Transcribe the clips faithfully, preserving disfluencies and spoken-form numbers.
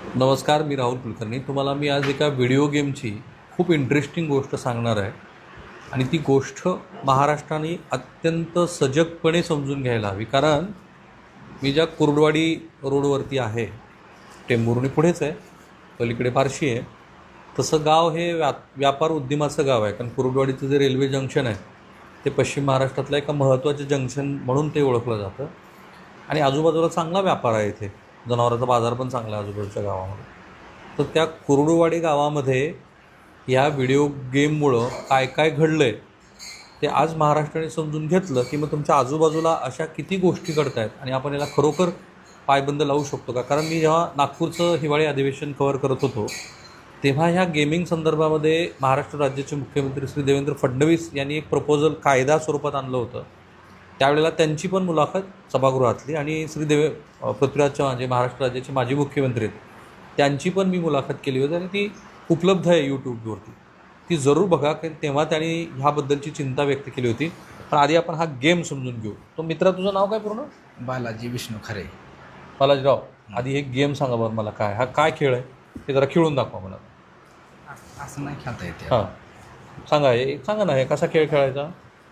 नमस्कार, मी राहुल कुलकर्णी. तुम्हाला मी आज एका व्हिडिओ गेमची खूप इंटरेस्टिंग गोष्ट सांगणार आहे आणि ती गोष्ट महाराष्ट्राने अत्यंत सजगपणे समजून घ्यायला हवी. कारण मी ज्या कुर्डवाडी रोडवरती आहे, टेंभुर्णी पुढेच आहे, पलीकडे फारशी आहे, तसं गाव हे व्या व्यापार उद्यमाचं गाव आहे. कारण कुर्डवाडीचं जे रेल्वे जंक्शन आहे ते पश्चिम महाराष्ट्रातलं एका महत्त्वाचं जंक्शन म्हणून ते ओळखलं जातं आणि आजूबाजूला चांगला व्यापार आहे. इथे जनावरांचा बाजार पण चांगला आहे आजूबाजूच्या गावामध्ये. तर त्या कुर्डुवाडी गावामध्ये या व्हिडिओ गेममुळं काय काय घडलं आहे ते आज महाराष्ट्राने समजून घेतलं की मग तुमच्या आजूबाजूला अशा किती गोष्टी घडत आहेत आणि आपण याला खरोखर पायबंद लावू शकतो का. कारण मी जेव्हा नागपूरचं हिवाळी अधिवेशन कव्हर करत होतो तेव्हा ह्या गेमिंग संदर्भामध्ये महाराष्ट्र राज्याचे मुख्यमंत्री श्री देवेंद्र फडणवीस यांनी एक प्रपोजल कायदा स्वरूपात आणलं होतं. त्यावेळेला त्यांची पण मुलाखत सभागृहातली आणि श्री देवे पृथ्वीराज चव्हाण जे महाराष्ट्र राज्याचे माजी मुख्यमंत्री आहेत त्यांची पण मी मुलाखत केली होती आणि ती उपलब्ध आहे यूट्यूबवरती. ती जरूर बघा, कारण तेव्हा त्यांनी ह्याबद्दलची चिंता व्यक्त केली होती. पण आधी आपण हा गेम समजून घेऊ. तो मित्रा, तुझं नाव काय पूर्ण? बालाजी विष्णू खरे. बालाजीराव, आधी हे गेम सांगा बरं मला, काय हा काय खेळ आहे ते जरा खेळून दाखवा मला. असं नाही खेळता येते. हां सांगा, हे सांगा ना, हे कसा खेळ खेळायचा.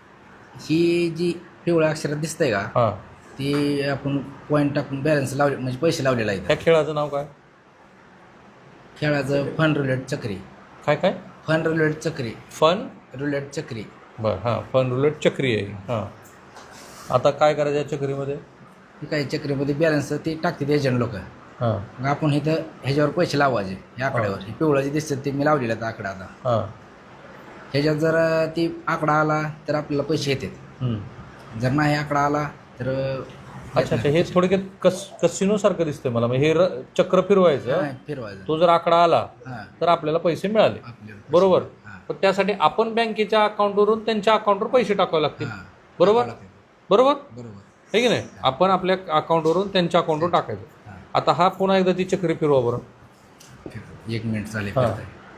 ही जी पिवळ्या अक्षरात दिसतंय का, हां, ती आपण पॉईंट टाकून बॅलन्स लावले म्हणजे पैसे लावलेला आहे. ह्या खेळाचं नाव काय? खेळाचं फन रुलेट चक्री. काय काय? फन रुलेट चक्री. फन रुलेट चक्री. बरं, हां, फन रुलेट चक्री आहे. हां, आता काय करायचं या चक्रीमध्ये? ही काही चक्रीमध्ये बॅलन्स ते टाकतात एजंट लोक. हां मग आपण इथं ह्याच्यावर पैसे लावायचे या आकड्यावर. हे पिवळं जे दिसतं ते मी लावलेलं आहे आकडा. आता हां ह्याच्यात जर ती आकडा आला तर आपल्याला पैसे येतात. हं. जर नाही आकडा आला तर अच्छा अच्छा, हे थोडक्यात कस कसिनोसारखं दिसतंय मला. मग हे र चक्र फिरवायचं, नाही फिरवायचं. तो जर आकडा आला हां, तर आपल्याला पैसे मिळाले, आपल्याला पैसे- बरोबर. हां, पण त्यासाठी आपण बँकेच्या अकाउंटवरून त्यांच्या अकाउंटवर पैसे टाकावे लागतील, हां. बरोबर बरोबर बरोबर. आहे की नाही. आपण आपल्या अकाउंटवरून त्यांच्या अकाउंटवर टाकायचं. हां. आता हा पुन्हा एकदा ती चक्री फिरवा बरं. एक मिनिट चालेल. हां.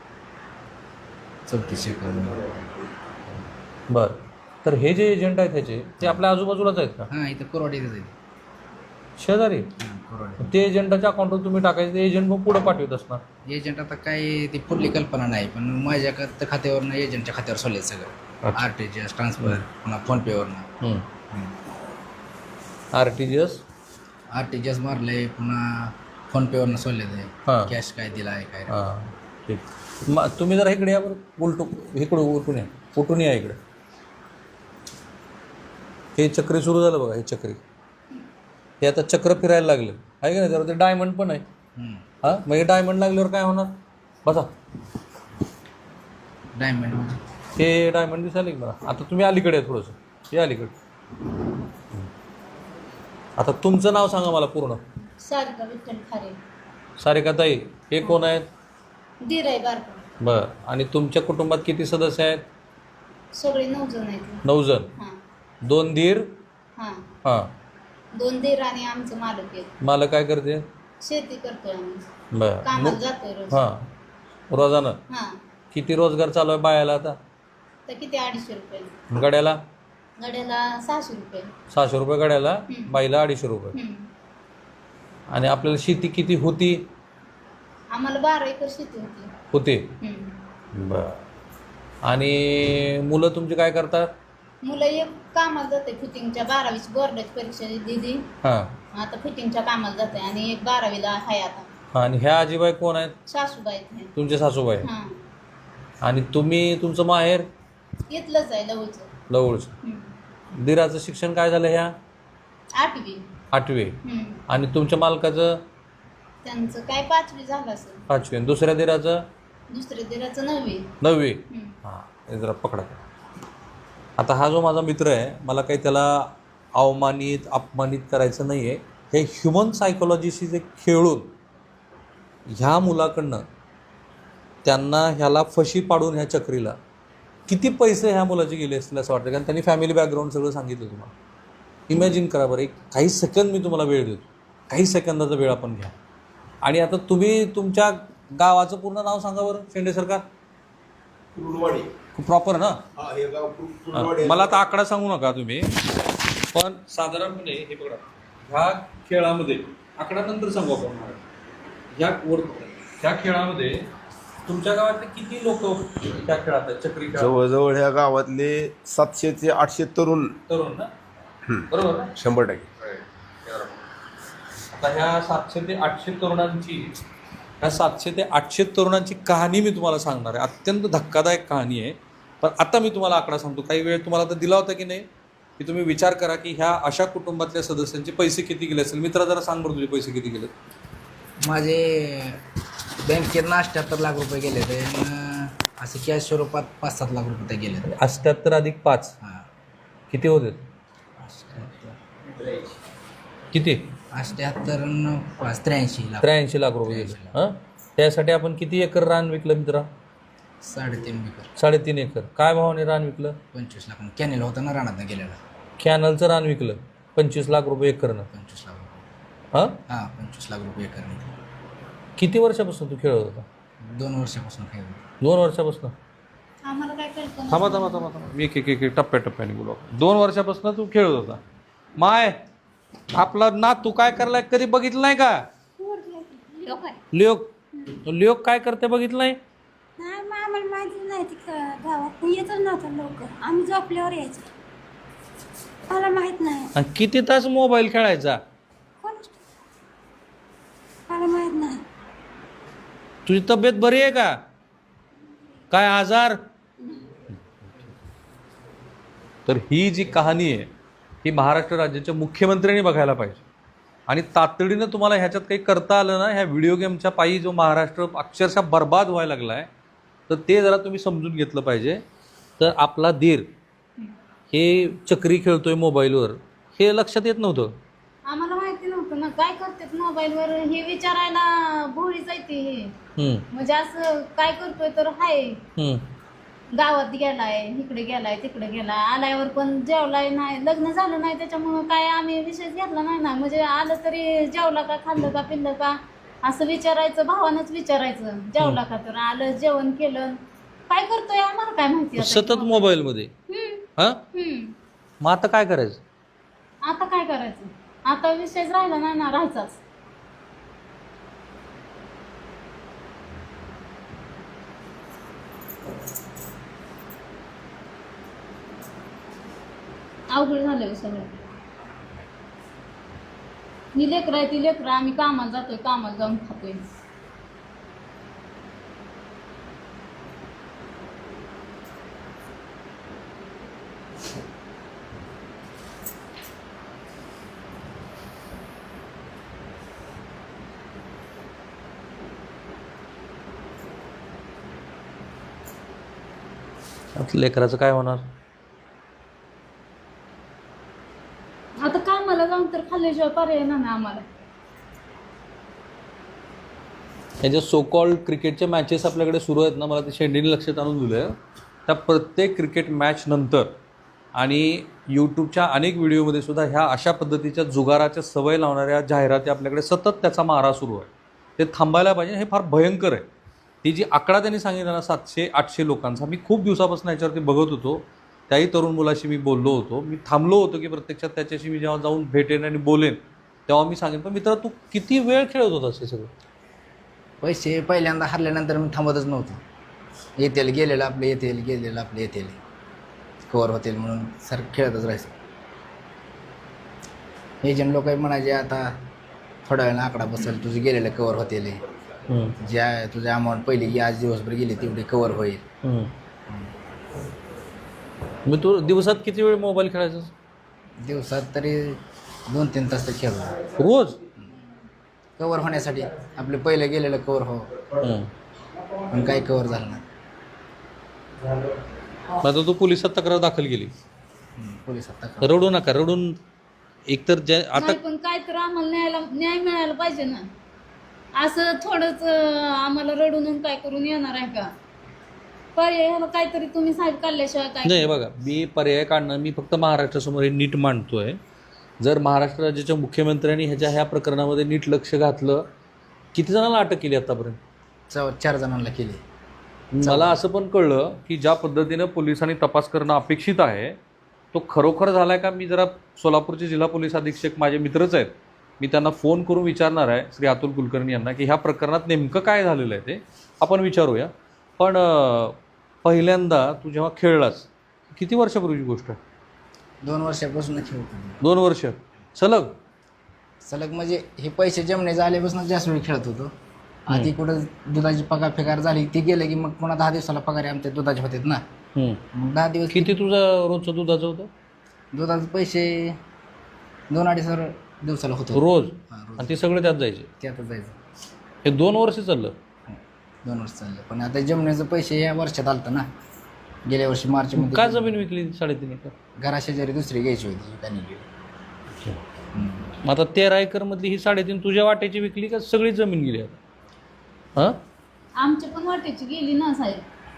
चौतीस सेकंद. बरं, तर हे जे एजंट आहेत ह्याचे ते आपल्या आजूबाजूलाच आहेत का? हां, इथं कोरवाडी जाईल. शेजारी? हां, कोरवाडी. ते एजंटाच्या अकाउंटवर तुम्ही टाकायचं, ते एजंट मग पुढं पाठवत असणार. एजंट आता काय ती पुढली कल्पना नाही, पण माझ्या खात- खात्यावरनं एजंटच्या खात्यावर सोडले सगळं. अच्छा. R T G S transfer, पुन्हा फोनपेवरनं R T G S. R T G S मारले, पुन्हा फोनपेवरनं सोडले ते. हां कॅश काय दिला आहे काय. हां ठीक. मग तुम्ही जरा इकडे या बरं, उलटू इकडं उलटून या, उलटून या इकडे. हे चक्री सुरू झालं बघा, हे चक्री हे आता चक्र फिरायला लागलं आहे का नाही. त्यावर ते डायमंड पण आहे. हम्म. हां, मग हे डायमंड लागल्यावर काय होणार? बसा, डायमंड. हे डायमंड दिसायला की मला. आता तुम्ही अलीकडे आहे थोडंसं, हे अलीकडे. आता तुमचं नाव सांगा मला पूर्ण. सारिका विठ्ठल खारे. सारिकाताई, हे कोण आहेत? दीर आहे बारका. बरं, आणि तुमच्या कुटुंबात किती सदस्य आहेत? सगळे नऊ जण आहेत. नऊ जण. हां दोन दीर. हां हां, दोन दीर आणि आमचं मालक आहे. मला काय करते? शेती करतोय आम्ही. बरं. कामाला जातोय रोज. हां, रोजानं हां, किती रोजगार चालू आहे बायाला आता? तर किती अडीचशे रुपये गड्याला? गड्याला सहाशे रुपये. सहाशे रुपये गड्याला, हं. बाईला अडीचशे रुपये. हं. आणि आपल्याला शेती किती होती? आम्हाला बारा एकर शेती होती. होते. हं. बरं. आणि मुलं तुमची काय करतात? मुलं एक कामाला जाते फिटिंगच्या, बारावीची बोर्डाची परीक्षा दिली, हां आता फिटिंगच्या कामाला जाते. आणि एक बारावीला आहे आता. हां. आणि ह्या आजीबाई कोण आहेत? सासूबाई आहेत. तुमचे सासूबाई. हां, आणि तुम्ही, तुमचं माहेर? इथलंच आहे लवचं. लवळचं. हं. दिराचं शिक्षण काय झालं? ह्या आठवी. आठवे. हं. आणि तुमच्या मालकाचं? त्यांचं काय पाचवी झालं असेल. पाचवे. आणि दुसऱ्या दिराचं? दुसऱ्या दिराचं नववी. नववे. हं. हां, हे जरा पकडा. आता हा जो माझा मित्र आहे, मला काही त्याला अवमानित अपमानित करायचं नाही आहे. हे ह्युमन सायकोलॉजीशी जे खेळून ह्या मुलाकडनं त्यांना ह्याला फशी पाडून ह्या चक्रीला किती पैसे ह्या मुलाचे गेले असतील असं वाटतं. कारण त्यांनी फॅमिली बॅकग्राऊंड सगळं सांगितलं तुम्हाला. इमॅजिन करा बरं, एक काही सेकंद मी तुम्हाला वेळ देतो, काही सेकंदाचा वेळ आपण घ्या. आणि आता तुम्ही तुमच्या गावाचं पूर्ण नाव सांगा बरं, शेंडे सरकार. कुर्डवाडी. प्रॉपर ना? हा, हे गाव कुर- हां, कुर्डवाडी. मला आता आकडा सांगू नका तुम्ही, पण साधारणपणे हे बघा, ह्या खेळामध्ये आकडा नंतर सांगू आपण. या वर त्या खेळामध्ये तुमच्या गावातले किती लोक त्या खेळात आहेत चक्री खेळात जवळजवळ ह्या गावातले सातशे ते आठशे तरुण तरुण ना बरोबर ना शंभर टक्के आता ह्या सातशे ते आठशे तरुणांची ह्या सातशे ते आठशे तरुणांची कहाणी मी तुम्हाला सांगणार आहे. अत्यंत धक्कादायक कहाणी आहे. पण आता मी तुम्हाला आकडा सांगतो. काही वेळ तुम्हाला तर दिला होता की नाही की तुम्ही विचार करा की ह्या अशा कुटुंबातल्या सदस्यांचे पैसे किती गेले असेल. मित्रा जरा सांग बरं तुझे पैसे किती गेले. माझे बँकेत अठ्ठ्याहत्तर लाख रुपये गेले ते असे कॅश स्वरूपात पाच सात लाख रुपये गेले. अठ्ठ्याहत्तर अधिक पाच हां किती होते. अठ्ठ्याहत्तर किती अठ्ठ्याहत्तर न पाच त्र्याऐंशी लाख त्र्याऐंशी लाख रुपये गेले. हां त्यासाठी आपण किती एकर रान विकलं मित्रा. साडेतीन एकर साडेतीन एकर. काय भावाने रान विकलं. पंचवीस लाख कॅनेल होता ना रानात गेलेला. कॅनलचं रान विकलं पंचवीस लाख रुपये एकरनं. पंचवीस लाख रुपये हां हां पंचवीस लाख रुपये एकर. किती वर्षापासून तू खेळत होता. दोन वर्षापासून खेळ दोन वर्षापासून. आम्हाला काय कळतं थांबा थांबा थांबा थांबा मी एक एक एक टप्प्याटप्प्याने बोलू. दोन वर्षापासून तू खेळत होता. माय आपला ना तू काय करलाय कधी बघितलं नाही का. लोक आहे. लिओक लिओक काय करते बघितलं नाही. नाही मग आम्हाला माहिती नाही ती गावात येतच नव्हतं लवकर. आम्ही झोपल्यावर यायचो. मला माहित नाही आणि किती तास मोबाईल खेळायचा. कोण मला माहित नाही. तुझी तब्येत बरी आहे का. काय आजार. तर ही जी कहाणी आहे ही महाराष्ट्र राज्याच्या मुख्यमंत्र्यांनी बघायला पाहिजे. आणि तातडीनं तुम्हाला ह्याच्यात काही करता आलं ना ह्या व्हिडिओ गेमच्या पायी जो महाराष्ट्र अक्षरशः बर्बाद व्हायला लागला आहे तर ते जरा तुम्ही समजून घेतलं पाहिजे. तर आपला धीर हे चक्री खेळतोय मोबाईलवर हे लक्षात येत नव्हतं. आम्हाला माहिती नव्हतं ना काय करतात मोबाईलवर हे विचारायला भोळीच आहे ते हे. हम्म, म्हणजे असं काय करतोय तर हाय हम्म. गावात गेलाय इकडे गेलाय तिकडे गेलाय आल्यावर पण जेवलाय नाही लग्न झालं नाही त्याच्यामुळं काय आम्ही विषयच घेतला नाही ना. म्हणजे आलं तरी जेवला का खाल्लं का पिल्लं का असं विचारायचं भावानंच विचारायचं. जेवला का तर आलं जेवण केलं काय करतोय आम्हाला काय माहिती आता. सतत मोबाईलमध्ये. हम्म, हा हम्म. मग आता काय करायचं. आता काय करायचं आता विषयच राहिला नाही ना राहायचाच. अवघड झालं सगळं. ही लेकरं आहे ती लेकरं आम्ही कामाला जातोय कामाला जाऊन खातोय. आता लेकराचं काय होणार. आता कामाला जाऊन तर खाल्ल्याशिवाय पर्याय नाही ना आम्हाला. हे जे सो कॉल्ड क्रिकेटच्या मॅचेस आपल्याकडे सुरू आहेत ना मला ते शेंडीने लक्षात आणून दिलं. त्या प्रत्येक क्रिकेट मॅच नंतर आणि यूट्यूबच्या अनेक व्हिडिओमध्ये सुद्धा ह्या अशा पद्धतीच्या जुगाराच्या सवय लावणाऱ्या जाहिराती आपल्याकडे सतत त्याचा मारा सुरू आहे. ते थांबायला पाहिजे. हे फार भयंकर आहे. ती जी आकडा त्यांनी सांगितला ना सातशे आठशे लोकांचा मी खूप दिवसापासून याच्यावरती बघत होतो. त्याही तरुण मुलाशी मी बोललो होतो. मी थांबलो होतो की प्रत्यक्षात त्याच्याशी मी जेव्हा जाऊन भेटेन आणि बोलेन तेव्हा मी सांगेन. पण मित्रा तू किती वेळ खेळत होतास हे सगळं. पैसे पहिल्यांदा हरल्यानंतर मी थांबतच नव्हतो. येतील गेलेलं आपले येतील गेलेलं आपले येतील कवर होतील म्हणून सर खेळतच राहायचं. एजंट लोक म्हणायचे आता थोड्या वेळानं आकडा बसेल तुझे गेलेलं कवर होतील. ज्या तुझ्या अमाऊंट पहिली आज दिवसभर गेली तेवढी कवर होईल. मग तू दिवसात किती वेळ मोबाईल खेळायचा. दिवसात तरी दोन तीन तास तर खेळतो रोज. कवर होण्यासाठी आपले पहिले गेलेलं कवर हो पण काही कवर झालं नाही. आता तू पोलिसात तक्रार दाखल केली. पोलिसात तक्रार रडू नका. रडून एकतर जे आता नाही पण काय तर आम्हाला न्यायला न्याय मिळायला पाहिजे ना. असं थोडंच आम्हाला रडून काय करून येणार आहे का. पर्याय ह्याला काहीतरी तुम्ही साहेब काढल्याशिवाय काय. नाही बघा मी पर्याय काढणं मी फक्त महाराष्ट्रासमोर हे नीट मांडतोय. जर महाराष्ट्र राज्याच्या मुख्यमंत्र्यांनी ह्याच्या ह्या प्रकरणामध्ये नीट लक्ष घातलं. किती जणांना अटक केली आतापर्यंत. चौ चार जणांना केली. मला असं पण कळलं की ज्या पद्धतीनं पोलिसांनी तपास करणं अपेक्षित आहे तो खरोखर झाला आहे का. मी जरा सोलापूरचे जिल्हा पोलीस अधीक्षक माझे मित्रच आहेत मी त्यांना फोन करून विचारणार आहे श्री अतुल कुलकर्णी यांना की ह्या प्रकरणात नेमकं काय झालेलं आहे ते आपण विचारूया. पण अं, पहिल्यांदा तू जेव्हा खेळलास किती वर्षापूर्वीची गोष्ट आहे? दोन वर्षापासून खेळतो. दोन वर्ष सलग? सलग म्हणजे हे पैसे जमणे झाल्यापासून जास्त वेळ खेळत होतो. आधी कुठं दुधाची पगार फेकार झाली ती गेलं की मग पुन्हा दहा दिवसाला पगार आहे आमच्या दुधाचे होते ना. हम्म. मग दहा दिवस किती तुझं रोजचं दुधाचं होतं? दुधाचे पैसे दोन अडीच हजार दिवसाला होतो रोज? हां, रोज. आणि ते सगळे त्यात जायचे? त्यातच जायचं. हे दोन वर्ष चाललं? दोन वर्ष चाललं. पण आता जमण्याचं पैसे या वर्षात आलतं ना. गेल्या वर्षी मार्च का मध्ये जमीन विकली साडेतीन एकर? घराशेजारी दुसरी घ्यायची होती त्यांनी गेली. मग आता तेरा एकर मधली ही साडेतीन तुझ्या वाट्याची विकली का सगळी जमीन गेली आता? हां, आमच्या पण वाटेची गेली ना साहेब.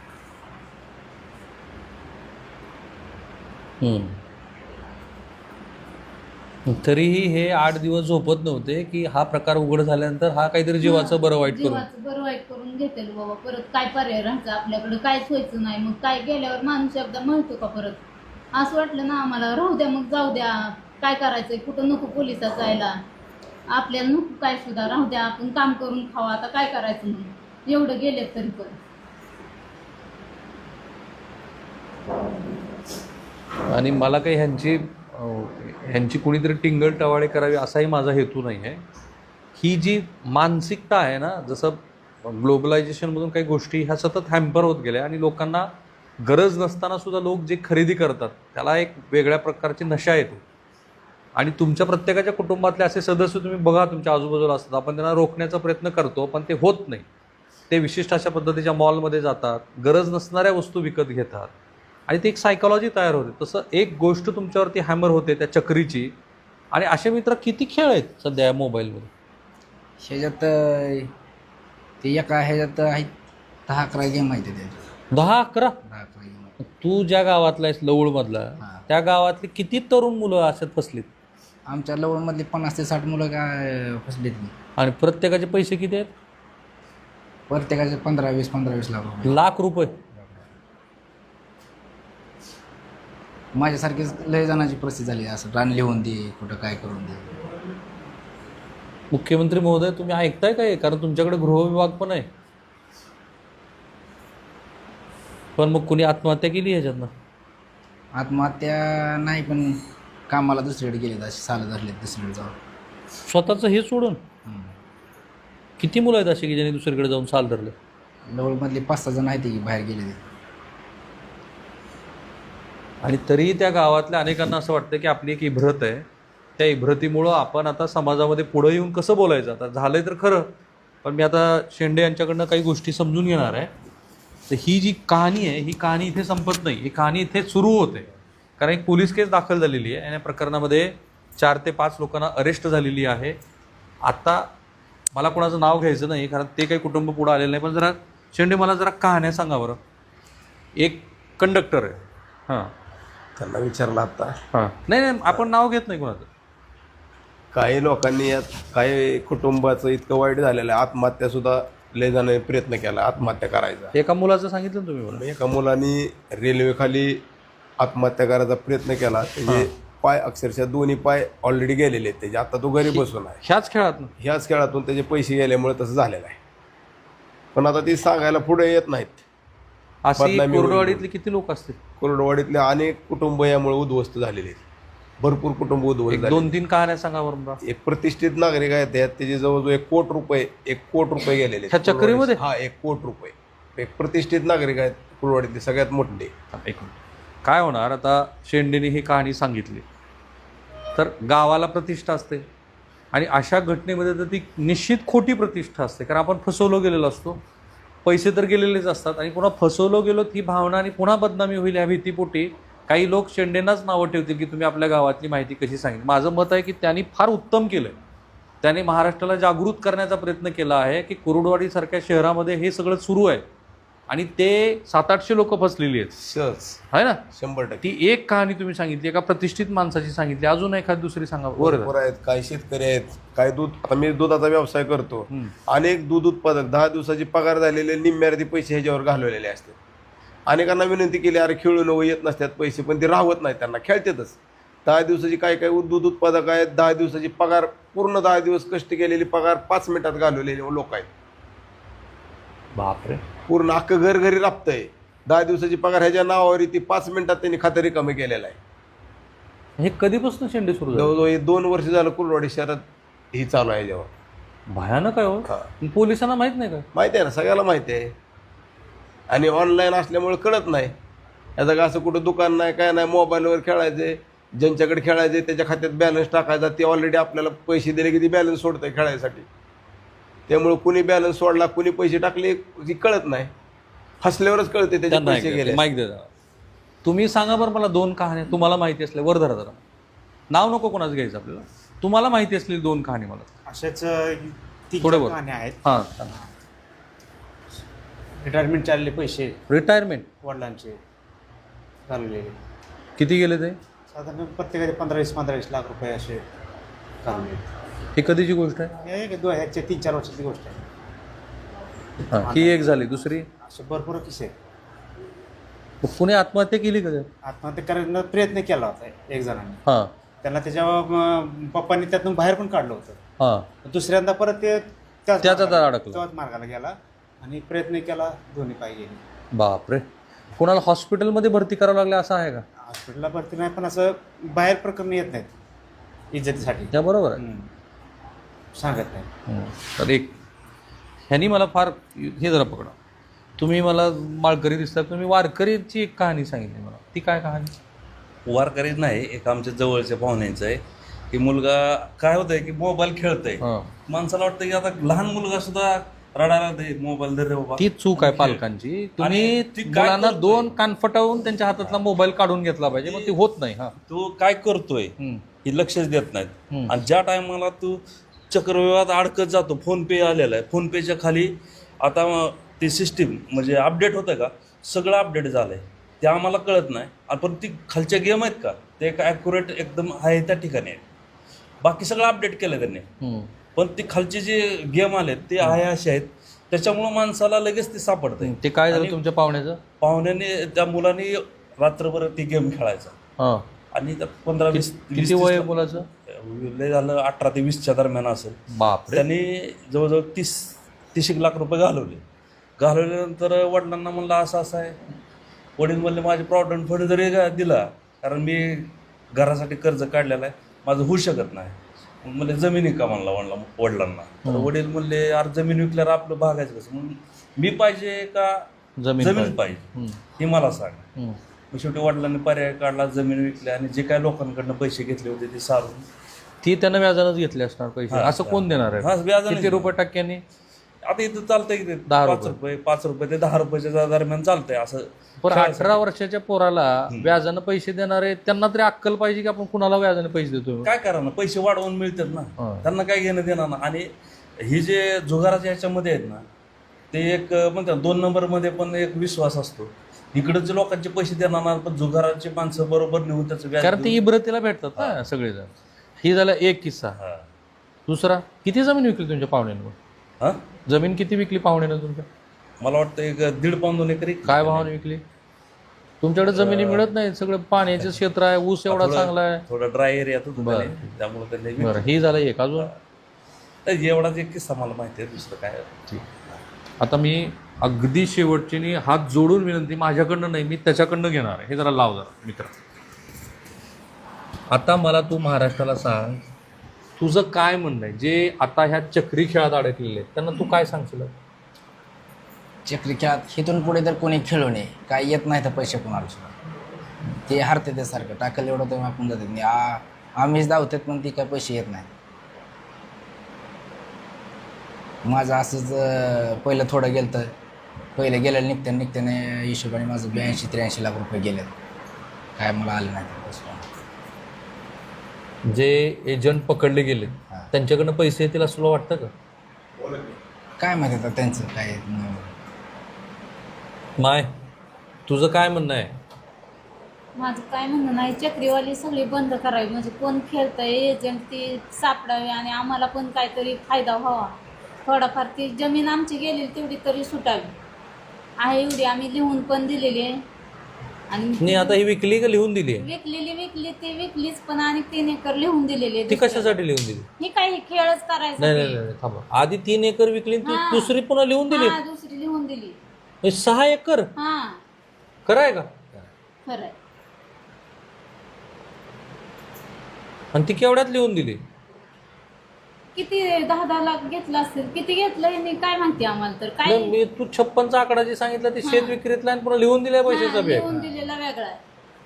तरीही हे आठ दिवस झोपत नव्हते की हा प्रकार उघड झाल्यानंतर हा काहीतरी जीवाचं बरं वाईट करू. जीवाचं बरं वाईट करून घेतेल बाबा. परत काय पर्याय राहायचं आपल्याकडे, काहीच व्हायचं नाही. मग काय गेल्यावर माणूस एकदा म्हणतो का परत? असं वाटलं ना आम्हाला, राहू द्या मग, जाऊ द्या, काय करायचंय, कुठं नको पोलिसात जायला, आपल्याला नको काय सुद्धा, राहू द्या, आपण काम करून खावा, आता काय करायचं म्हणून एवढं गेलेत तरी पण. आणि मला काही ह्यांची अं, ह्यांची कुणीतरी टिंगल टवाळे करावी असाही माझा हेतू नाही आहे. ही जी मानसिकता आहे ना, जसं ग्लोबलायझेशनमधून काही गोष्टी ह्या सतत हॅम्पर होत गेल्या आणि लोकांना गरज नसताना सुद्धा लोक जे खरेदी करतात त्याला एक वेगळ्या प्रकारची नशा येते. आणि तुमच्या प्रत्येकाच्या कुटुंबातले असे सदस्य तुम्ही बघा तुमच्या आजूबाजूला असतात, आपण त्यांना रोखण्याचा प्रयत्न करतो पण ते होत नाही. ते विशिष्ट अशा पद्धतीच्या मॉलमध्ये जातात, गरज नसणाऱ्या वस्तू विकत घेतात आणि ती एक सायकॉलॉजी तयार होते. तसं एक गोष्ट तुमच्यावरती हॅमर होते त्या चक्रीची. आणि असे मित्र किती खेळ आहेत सध्या या मोबाईलमध्ये. ह्याच्यात अं, ते एका ह्याच्यात आहेत दहा अकरा गेम आहेत त्याच्यात. दहा अकरा? दहा अकरा गेम. तू ज्या गावातला आहेस लवळमधला, हां. त्या गावातली किती तरुण मुलं अशात फसलीत? आमच्या लवणमधली पन्नास ते साठ मुलं काय फसलेत नाही. आणि प्रत्येकाचे पैसे किती आहेत? प्रत्येकाचे पंधरा वीस पंधरा वीस लाख रुपये. लाख रुपये. माझ्यासारखीच लय जणांची परिस्थिती झाली असं, रान लिहून दे, कुठं काय करून दे. मुख्यमंत्री महोदय तुम्ही ऐकताय काय? कारण तुमच्याकडे गृहविभाग पण आहे. पण मग कुणी आत्महत्या केली ह्याच्यातनं? आत्महत्या नाही, पण कामाला दुसरीकडे गेले असे साल धरले दुसरीकडे जाऊन. स्वतःचं हे सोडून? हम्म. किती मुलं आहेत अशी की ज्यांनी दुसरीकडे जाऊन साल धरले? लवळमधले पाच सहा जण आहेत की बाहेर गेले ते. आणि तरीही त्या गावातल्या अनेकांना असं वाटतं की आपली एक इब्रत आहे, त्या इब्रतीमुळं आपण आता समाजामध्ये पुढं येऊन कसं बोलायचं. आता झालं आहे तर खरं, पण मी आता शेंडे यांच्याकडनं काही गोष्टी समजून घेणार आहे. तर ही जी कहाणी आहे ही कहाणी इथे संपत नाही, ही कहाणी इथे सुरू होते. कारण एक पोलीस केस दाखल झालेली आहे आणि या प्रकरणामध्ये चार ते पाच लोकांना अरेस्ट झालेली आहे. आता मला कोणाचं नाव घ्यायचं नाही कारण ते काही कुटुंब पुढं आलेलं नाही, पण जरा शेंडे मला जरा कहाण्या सांगा बरं. एक कंडक्टर आहे, हां, त्यांना विचारलं आता. हां, नाही नाही आपण नाव घेत नाही कोणाचं. काही लोकांनी यात काही कुटुंबाचं इतकं वाईट झालेलं आहे, आत्महत्यासुद्धा लय जणांनी प्रयत्न केला आत्महत्या करायचा. एका मुलाचं सांगितलं ना तुम्ही मला. एका मुलांनी रेल्वेखाली आत्महत्या करायचा प्रयत्न केला. त्याचे पाय अक्षरशः दोन्ही पाय ऑलरेडी गेलेले आहेत त्याचे. आता तो घरी बसून आहे. ह्याच खेळात ना? ह्याच खेळातून त्याचे पैसे गेल्यामुळे तसं झालेलं आहे. पण आता ती सांगायला पुढे येत नाहीत. अशी बदनामी होईल. कोरडवाडीतले किती लोक असतील? कोरडवाडीतले अनेक कुटुंब यामुळे उद्ध्वस्त झालेले आहेत. भरपूर कुटुंब उद्ध्वस्त एक झाले. दोन तीन कहाण्या सांगा बरं मला. एक प्रतिष्ठित नागरिक आहेत त्यात त्याचे जवळजवळ एक कोट रुपये एक कोट रुपये गेलेले आहेत. ह्या चक्रीमध्ये? हा, एक कोट रुपये. एक प्रतिष्ठित नागरिक आहेत कुरवाडीतले सगळ्यात मोठे. एक मिनिट. काय होणार आता शेंडेने ही कहाणी सांगितली तर गावाला प्रतिष्ठा असते आणि अशा घटनेमध्ये तर ती निश्चित खोटी प्रतिष्ठा असते. कारण आपण फसवलो गेलेलो असतो, पैसे तर गेलेलेच असतात आणि पुन्हा फसवलो गेलो ती भावना आणि पुन्हा बदनामी होईल या भीतीपोटी काही लोक शेंडेंनाच नावं ठेवतील की तुम्ही आपल्या गावातली माहिती कशी सांगितली. माझं मत आहे की त्यांनी फार उत्तम केलं आहे. त्याने महाराष्ट्राला जागृत करण्याचा प्रयत्न केला आहे की कुरुडवाडीसारख्या शहरामध्ये हे सगळं सुरू आहे आणि ते सात आठशे लोक फसलेली आहेत. सहज आहे ना? शंभर टक्के. ती एक कहाणी तुम्ही सांगितली, एका प्रतिष्ठित माणसाची सांगितली, अजून एखादी दुसरी सांगा. बरोबर आहेत. काही शेतकरी आहेत, काही दूध, आता मी दुधाचा व्यवसाय करतो. अनेक दूध उत्पादक दहा दिवसाची पगार झालेले निम्म्यार्धी पैसे ह्याच्यावर घालवलेले असतात. अनेकांना विनंती केली, अरे खेळू नको, येत नसतात पैसे, पण ते राहत नाहीत, त्यांना खेळतातच. दहा दिवसाची काय काय दूध उत्पादक आहेत, दहा दिवसाची पगार पूर्ण दहा दिवस कष्ट केलेली पगार पाच मिनिटात घालवलेले लोक आहेत. बापरे. पूर्ण अख्खं घर घरी राबतंय. दहा दिवसाची पगार ह्याच्या नावावर ती पाच मिनिटात त्यांनी खातं रिकामी केलेलं आहे. हे कधीपासून शेंडे सुरू झाले? जवळजवळ हे दोन वर्ष झालं कुलवाडी शहरात ही चालू आहे याच्यावर. भयानक आहे हो. हा. पोलिसांना माहित नाही का? माहिती आहे ना, सगळ्याला माहिती आहे. आणि ऑनलाईन असल्यामुळे कळत नाही. याचं का असं कुठं दुकान नाही काय नाही, मोबाईलवर खेळायचे, ज्यांच्याकडे खेळायचे त्याच्या खात्यात बॅलन्स टाकायचा, ते ऑलरेडी आपल्याला पैसे दिले की ती बॅलन्स सोडतंय खेळायसाठी. त्यामुळे कुणी बॅलन्स सोडला, कुणी पैसे टाकले ती कळत नाही. फसल्यावरच कळते त्याचे पैसे गेले. माईक दे जरा. तुम्ही सांगा बरं मला दोन कहाण्या तुम्हाला माहिती असल्या, वर धरा जरा, नाव नको कोणाचं घ्यायचं आपल्याला, तुम्हाला माहिती असलेली दोन कहाणी मला. अशाच तीन थोडं बोल. कहाण्या आहेत. हां. रिटायरमेंट चालले पैसे रिटायरमेंट वडिलांचे घालवलेले, किती गेले ते? साधारण प्रत्येकाचे पंधरा वीस पंधरा वीस लाख रुपये असे घालवले. ही कधीची गोष्ट आहे? हे दोन ह्याच्या तीन चार वर्षाची गोष्ट आहे. हां, ही एक झाली. दुसरी, असे भरपूर किस्से आहेत. कुणी आत्महत्या केली का त्यात? आत्महत्या करण्याचा प्रयत्न केला होता एक जणांनी. हां त्यांना त्याच्या अं, पप्पांनी त्यातून बाहेर पण काढलं होतं. हां. दुसऱ्यांदा परत ते त्याच त्याचा मार्गाला- अडकला. त्याच मार्गाला गेला आणि प्रयत्न केला, दोन्ही पाय गेले. बापरे. कोणाला हॉस्पिटलमध्ये भरती करावं लागलं असं आहे का? हॉस्पिटलला भरती नाही, पण असं बाहेर प्रकरण येत नाहीत इज्जतीसाठी. त्या बरोबर आहे. हम्म. सांगत नाही. हं. तर एक ह्यांनी मला फार हे जरा पकडा, तुम्ही मला माळकरी दिसता, तुम्ही वारकरीची एक कहाणी सांगितली मला, ती काय कहाणी? वारकरीच नाही, एक आमच्या जवळच्या पाहुण्यांचं आहे की मुलगा काय होतंय की मोबाईल खेळतोय. हां. माणसाला वाटतं की आता लहान मुलगा सुद्धा रडायला दे मोबाईल दे रे बाबा. ती चूक आहे पालकांची. तुम्ही ती काय मुलांना करतोय? दोन कानफटावून त्यांच्या हातातला मोबाईल काढून घेतला पाहिजे, मग ते होत नाही. हा. तो काय करतोय हं. हे लक्षच देत नाहीत. हं. आणि ज्या टायमाला तू चक्रव्यूहात अडकत जातो, फोन पे आलेला आहे, फोन पेच्या खाली आता ती सिस्टीम म्हणजे अपडेट होतं का, सगळं अपडेट झालंय, ते आम्हाला कळत नाही. आणि पण ती खालच्या गेम आहेत का, ते एक ॲक्युरेट एकदम आहे त्या ठिकाणी आहे. बाकी सगळं अपडेट केलं त्यांनी, हं. पण ते खालचे जे गेम आलेत ते आहे असे आहेत, त्याच्यामुळं माणसाला लगेच ते सापडतंय. ते काय झालं आणि तुमच्या पाहुण्याचं? पाहुण्याने त्या मुलांनी रात्रभर ती गेम खेळायचा हां. आणि त्या पंधरा वीस किती वय आहे मुलाचं? लय झालं अठरा ते वीसच्या दरम्यान असेल. बापरे. त्यांनी जवळजवळ तीस तीस एक लाख रुपये घालवले. घालवल्यानंतर वडिलांना म्हणलं असं असं आहे. वडील म्हणले माझे प्रॉव्हिडंट फंड जरी दिला, कारण मी घरासाठी कर्ज काढलेलं आहे, माझं होऊ शकत नाही. मग म्हणले जमीन विका म्हणला वडला वडिलांना. तर वडील म्हणले अरे जमीन विकल्यावर आपलं भागायचं कसं, म्हणून मी पाहिजे का जमीन जमीन पाहिजे. पाहिजे हं. हे मला सांग. हं. मग शेवटी वडिलांनी पर्याय काढला, जमीन विकली आणि जे काय लोकांकडनं पैसे घेतले होते ते सारून. ती त्यानं व्याजानंच घेतली असणार पैसे. हां, असं कोण देणार हां, आहे? व्याजाने किती रुपये टक्क्यांनी? आता इथं चालतंय की ते दहा पाच रुपये. रुपये पाच रुपये ते दहा रुपयाच्या दरम्यान चालतंय असं. पण खेळायचं. अठरा वर्षाच्या पोराला व्याजानं पैसे देणारे त्यांना तरी अक्कल पाहिजे की आपण कुणाला व्याजाने पैसे देतो. काय करा ना, पैसे वाढवून मिळतात ना, हां. त्यांना काय घेणं देणार ना. आणि ही जे जुगाराच्या ह्याच्यामध्ये आहेत ना, ते एक म्हणतात दोन नंबरमध्ये पण एक विश्वास असतो. इकडचे लोकांचे पैसे देणार ना, पण जुगाराचे माणसं बरोबर नेऊन त्याचं व्याज कारण ते देऊन- इब्रतीला भेटतात ना सगळेजण. ही झाला एक किस्सा. हां. दुसरा, किती जमीन विकली तुमच्या पाहुण्यानं? हां? जमीन किती विकली पाहुण्यानं तुमच्या? मला वाटतं एक दीड पाऊन दोन एकरी. काय भावाने विकली? तुमच्याकडे जमिनी मिळत नाही, सगळं पाण्याचं क्षेत्र आहे, ऊस एवढा थोडं- चांगला आहे. थोडा ड्राय एरियात होतो बरं. त्याने, त्यामुळे त्यांनी बरं, ही झालं एक. अजून विकलं. एवढाच एक किस्सा मला माहिती आहे, दुसरं काय. आता मी अगदी शेवटची नी हात जोडून विनंती, माझ्याकडनं नाही, मी त्याच्याकडनं घेणार आहे. हे जरा लाव जरा मित्र. आता मला तू महाराष्ट्राला सांग, तुझं काय म्हणणं आहे जे आता ह्या चक्री खेळात अडकलेले आहेत त्यांना तू काय सांगशील? चक्री खेळात इथून पुढे तर कोणी खेळू नये, काय येत नाही तर पैसे कोणाला सुद्धा. ते हरते ते सारखं टाकलं एवढं तर आपण जातात नाही. आ आम्हीच धावतात पण ती काय पैसे येत नाही. माझं असंच अं, पहिलं थोडं गेलं तर पहिलं गेलं निघत्या निघत्याने हिशोबाने माझं ब्याऐंशी त्र्याऐंशी लाख रुपये गेले, काय मला आले नाही ते पैसे. जे एजंट पकडले गेले हां. त्यांच्याकडनं पैसे येतील असं तुला वाटतं का? काय माहिती आता त्यांचं काय. माय, तुझं काय म्हणणं आहे? माझं काय म्हणणं नाही, चक्रीवाली सगळी बंद करावी, म्हणजे कोण खेळतंय एजंट ती सापडावी आणि आम्हाला पण काहीतरी फायदा व्हावा. थोडाफार ती जमीन आमची गेलेली तेवढी तरी सुटावी आहे, एवढी आम्ही लिहून पण दिलेली आहे. आणि नाही आता ही विकली का लिहून दिली आहे? विकलेली विकली ती विकलीच, पण आणि तीन एकर लिहून दिलेली ती कशासाठी लिहून दिली? ही काही खेळच करायचा नाही नाही नाही थांबा, आधी तीन एकर विकली आणि ती हा. दुसरी पुन्हा लिहून दिली हा दुसरी लिहून दिली. म्हणजे सहा एकर हा खरं आहे का? खरंय. आणि ती केवढ्यात लिहून दिली? किती दहा दहा लाख घेतला असेल, किती घेतलं यांनी काय माहिती आम्हाला तर काय. नाही, मी तू छप्पनचा आकडा जे सांगितला ते शेत विक्रीतला आणि पुन्हा लिहून दिलाय पैशाचा हा, बॅग. लिहून दिलेला वेगळा आहे.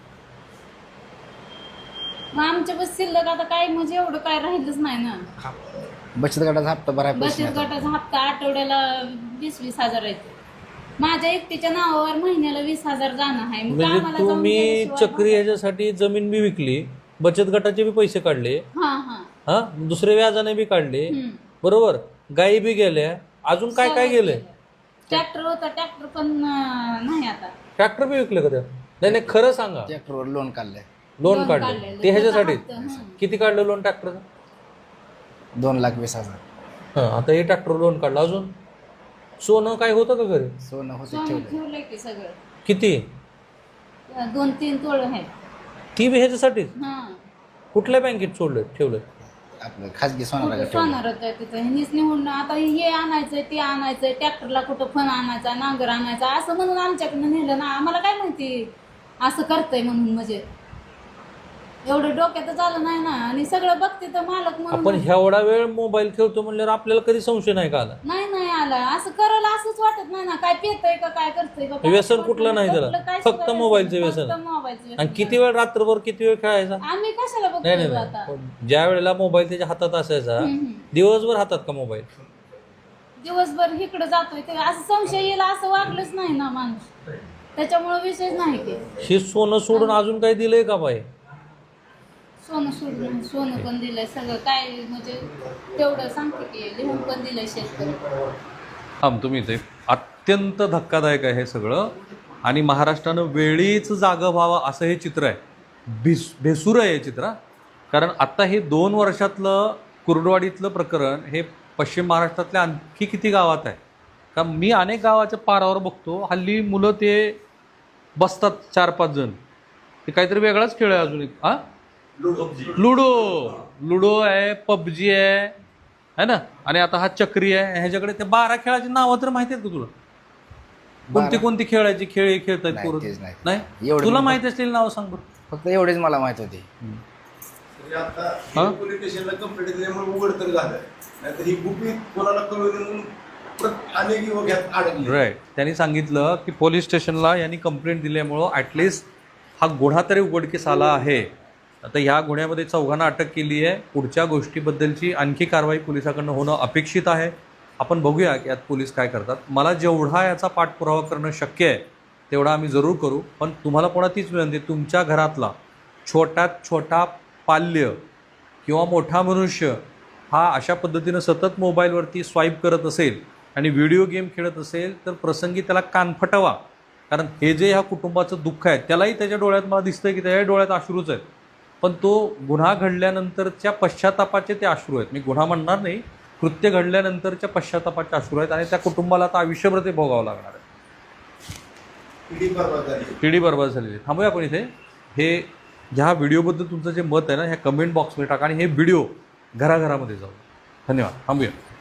मग आमच्या बस शिल्लक आता काय म्हणजे एवढं काय राहिलंच नाही ना. बचत गटाचा हप्ता भरायला पैसे बचत नाही. गटाचा हप्ता आठवड्याला वीस वीस हजार येतो. माझ्या एकटीच्या नावावर महिन्याला वीस हजार जाणं आहे. मग म्हणजे आम्हाला जाऊन तुम्ही गेल्याशिवाय चक्री ह्याच्यासाठी जमीन बी विकली, बचत गटाचे बी पैसे काढले, हा हा हा दुसरे व्याजाने बी काढले, हम्म. बरोबर, गायी बी गेल्या, अजून काय काय गेलंय? ट्रॅक्टर होता, ट्रॅक्टर पण अं, नाही आता. ट्रॅक्टर बी विकले का त्या? नाही नाही खरं सांगा. ट्रॅक्टरवर लोन काढलंय लोन लोन काढले काढलेलं. ते ह्याच्यासाठी? त्याचा हप्ता, हं. किती काढलं लोन ट्रॅक्टरचं? दोन लाख वीस हजार. हां आता हे ट्रॅक्टर लोन काढलं. अजून सोनं काय होतं का घरी? सोनं होते सोनं ठेवलं. ठेवलंय की सगळं. किती? दोन तीन तोळ आहेत. ती बी ह्याच्यासाठीच? हा कुठल्या बँकेत सोडलं ठेवलं? आपलं खाजगी सोनाला कुठं ठेवलं. सोनार होतं तिथं. ह्यांनीच निवडून आता हे आणायचंय ते आणायचंय, ट्रॅक्टरला कुठं फण आणायचा, नांगर आणायचा असं म्हणून आमच्याकडनं नेलं ना. आम्हाला काय माहिती असं करतंय म्हणून. म्हणजे एवढं डोक्यातच आलं नाही ना. आणि सगळं बघते तर मालक आपण म्हणून एवढा वेळ मोबाईल खेळतो म्हणल्यावर आपल्याला कधी संशय नाही का आला? नाही नाही आला. असं करायला असंच वाटत नाही ना. काय पेतय का काय करतोय का काय व्यसन वाटत कुठलं नाही त्याला? कुठलं काय फक्त सुद्धा मोबाईलचं व्यसन. व्यसन. फक्त मोबाईलचं व्यसन. आणि किती वेळ रात्रभर किती वेळ खेळायचा? आम्ही कशाला नाही नाही बघतोय आता. नाही ज्या वेळेला मोबाईल त्याच्या हातात असायचा हम्म, हम्म. दिवसभर हातात का मोबाईल? दिवसभर इकडे जातोय ते असं संशय येईल असं वागलंच नाही ना माणूस. त्याच्यामुळे विषयच नाही की हे सोनं सोडून अजून काही दिलंय का बाई? सोनं सोडून सोनं पण दिलंय सगळं काय म्हणजे तेवढं सांगते की लिहून पण दिलंय शेतकरी. थांब तुम्ही ते अत्यंत धक्कादायक आहे हे सगळं. आणि महाराष्ट्रानं वेळीच जागं व्हावं असं हे चित्र आहे. भिस भेसूर आहे हे चित्र. कारण आत्ता हे दोन वर्षातलं कुर्डवाडीतलं प्रकरण हे पश्चिम महाराष्ट्रातल्या आणखी किती गावात आहे. कारण मी अनेक गावाच्या पारावर बघतो हल्ली मुलं ते बसतात चार पाच जण, ते काहीतरी वेगळाच खेळ आहे अजून एक. हां लुडो लुडो आहे, पबजी आहे है ना, आणि आता हा चक्री आहे. ह्याच्याकडे ते बारा खेळाची नावं तर माहिती आहेत का तुला? कोणती कोणती खेळायची खेळ हे खेळतात नाही, पोरं? तेच नाही. नाही एवढं तुला मी- माहिती असलेली नावं सांग बरं. फक्त एवढेच मला माहित होते. आता पोलीस स्टेशनला कंप्लेंट दिल्यामुळे उघड तर झालं, नाहीतर ही गुपित कोणाला कळवली म्हणून परत अनेक युवक यात अडकले. राईट. त्यांनी सांगितलं की पोलीस स्टेशनला यांनी कंप्लेंट दिल्यामुळं ॲटलिस्ट हा गुन्हा तरी उघडकीस आला आहे. आता ह्या गुन्ह्यामध्ये चौघांना अटक केली आहे. पुढच्या गोष्टीबद्दलची आणखी कारवाई पोलिसाकडनं होणं अपेक्षित आहे. आपण बघूया की यात पोलीस काय करतात. मला जेवढा याचा पाठपुरावा करणं शक्य आहे तेवढा आम्ही जरूर करू. पण तुम्हाला पुन्हा तीच विनंती, तुमच्या घरातला छोट्यात छोटा पाल्य किंवा मोठा मनुष्य हा अशा पद्धतीनं सतत मोबाईलवरती स्वाईप करत असेल आणि व्हिडिओ गेम खेळत असेल तर प्रसंगी त्याला कान फटवा. कारण हे जे ह्या कुटुंबाचं दुःख आहे त्यालाही त्याच्या डोळ्यात मला दिसतंय की त्याच्या डोळ्यात अश्रूच आहेत. पण तो गुन्हा घडल्यानंतरच्या पश्चातापाचे ते अश्रू आहेत. मी गुन्हा म्हणणार नाही, कृत्य घडल्यानंतरच्या पश्चातापाचे अश्रू आहेत. आणि त्या कुटुंबाला आता आयुष्यभर ते भोगावं लागणार आहे. पिढी बरबाद झाली. पिढी बरबाद झालेली. थांबूया आपण इथे. हे ह्या व्हिडिओबद्दल तुमचं जे मत आहे ना ह्या कमेंट बॉक्समध्ये टाका आणि हे व्हिडिओ घराघरामध्ये जाऊ. धन्यवाद. थांबूया.